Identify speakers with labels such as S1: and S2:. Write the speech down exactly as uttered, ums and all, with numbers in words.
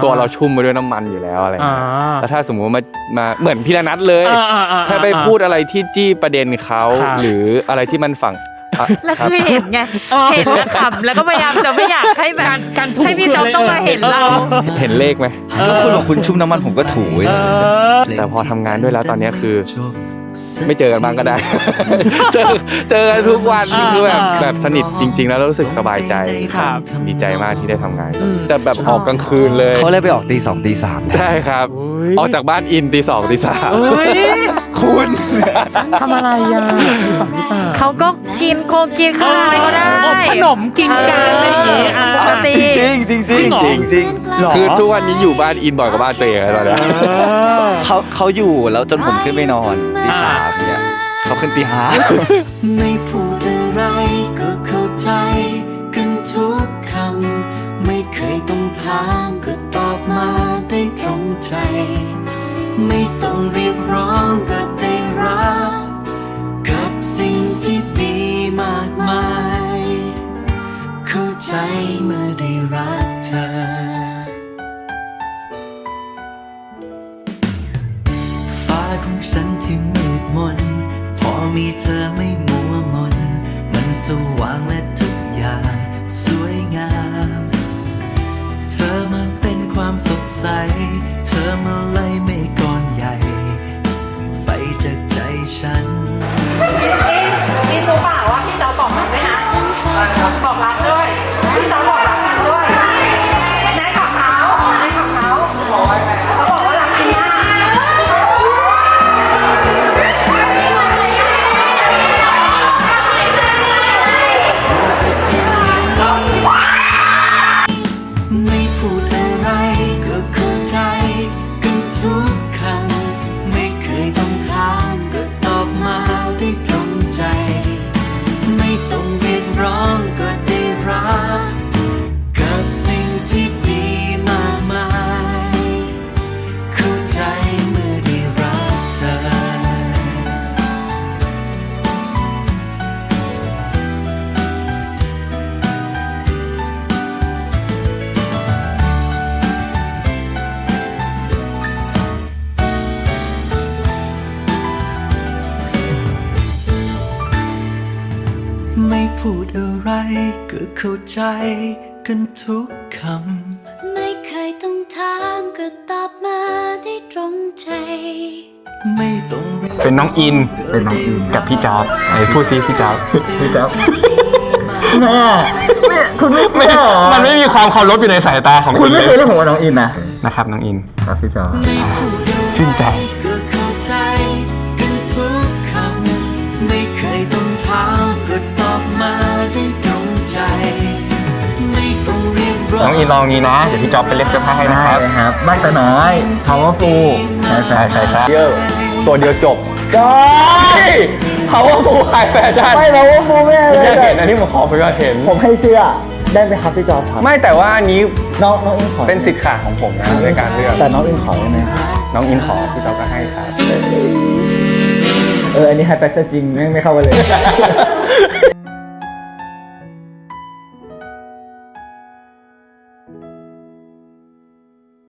S1: ตัวเราชุ่มไปด้วยน้ำมันอยู่แล้วอะไรแล้วถ้าสมมุติมามาเหมือนพี่นัทเลยถ้าไปพูดอะไรที่จี้ประเด็นเขาหรืออะไรที่มันฝัง
S2: แล้วคือเห็นไงเห็นแล้วขำแล้วก็พยายามจะไม่อยากให้แบบให้พี่จ๊อบต้องมาเห็นเรา
S1: เห็นเลขไหม
S3: แล้วคุณบอกคุณชุ่มน้ำมันผมก็ถู
S1: แต่พอทำงานด้วยแล้วตอนนี้คือไม่เจอกันบ้างก็ได้เจอเจอกันทุกวันคือแบบแบบสนิทจริงๆแล้วรู้สึกสบายใจดีใจมากที่ได้ทำงานจะแบบออกกลางคืนเลย
S3: เขาเลยไปออกตีสองตีสาม
S1: ใช่ครับออกจากบ้านอินตีสองตีสาม
S3: คุณ
S4: ทำอะไรอ่ะตีสองตีสาม
S2: เขาก็กินโคกินข้าวอะไรก็ได้
S4: ขนมกินกันอะไรอย่างเงี้ย
S2: ปกติ
S3: จริงจริงจริงจริงจริง
S1: คือทุกวันนี้อยู่บ้านอินบ่อยกว่าบ้านตัวเองแล้วนะ
S3: เขาเขาอยู่แล้วจนผมขึ้นไปนอนตีสามเนี่ยเขาขึ้นตีห้า
S5: ไม่พูดอะไรก็เข้าใจกันทุกคำไม่เคยต้องถามก็ตอบมาได้ตรงใจไม่ต้องเรียกร้องก็ได้รับกับสิ่งที่ดีมากมายเข้าใจเมื่อได้รักเธอฟ้าของฉันที่มืดมนพอมีเธอไม่มัวมนมันสว่างและทุกอย่างสวยงามเธอมาเป็นความสดใสเธอมาไล่เมฆก้อนใหญ่ไปจากใจฉัน
S2: นี่รู้เปล่าว่าพี่จ๊อบบอกรักด้วยนะบอกรักด้วยพี่จ๊อบบอกรักกันด้วยในขับเท้าในขับเท้าเขาบอกว่ารักจริงมาก
S5: ไม่พูดอะไรก็เข้าใจกันทุกคำไม่เคยต้องถามก็ตอบมาได้ตรงใจไม่ต้องเรียกร้องก็ได้รับกับสิ่งที่ดีมากมายเข้าใจเมื่อได้รักเธอไม่พูดอะไรก็เข้าใจกันทุกคำไม่เคยต้องถามก็ตอบมาได้ตรงใจไม่ต้อง
S1: เป็นน้องอินเป็นน้องอินกับพี่จ๊อบไอ้พูดซิพี่จ๊อบพี่จ๊อบ
S4: แม่ไม่คุณไม่เชื่อ
S1: มันไม่มีความเคารพอยู่ในสายตาของ
S4: คุณไม่เคยเรียกผมว่าน้องอินนะ
S1: นะครับน้องอินครับพี่จ๊อบ
S5: ชื่นใจก็เข้าใจกันทุกคำไม่เคยต้องถามก็ตอบมาได้ตรงใจไม่ต้องเรียกร้อง
S1: น้องอินลองงี้นะเดี๋ยวพี่จ๊อบไปเล็กเสื้อผ้าให้นะครับ
S4: ครับบ้านตาน้อย powerful
S1: ใช่ใช่ใช่ใช่เยอะตัวเดียวจบใช่ powerful ขายแฟชั่น
S4: ไม่ powerful แม่เลย
S1: เห็นอันนี้ผมขอไปว่าเห็น
S4: ผมให้เสื้อได้ไหมครับพี่จ๊อบครับ
S1: ไม่แต่ว่าอันนี้
S4: น้องน้องอินขอ
S1: เป็นสิทธิ์ขาของผมนะในการเลือก
S4: แต่น้องอินขอได้ไหม
S1: น้องอินขอพี่จ๊อบก็ให้ครับ
S4: เอออันนี้ไฮแฟชั่นจริงไม่ไม่เข้าไปเลย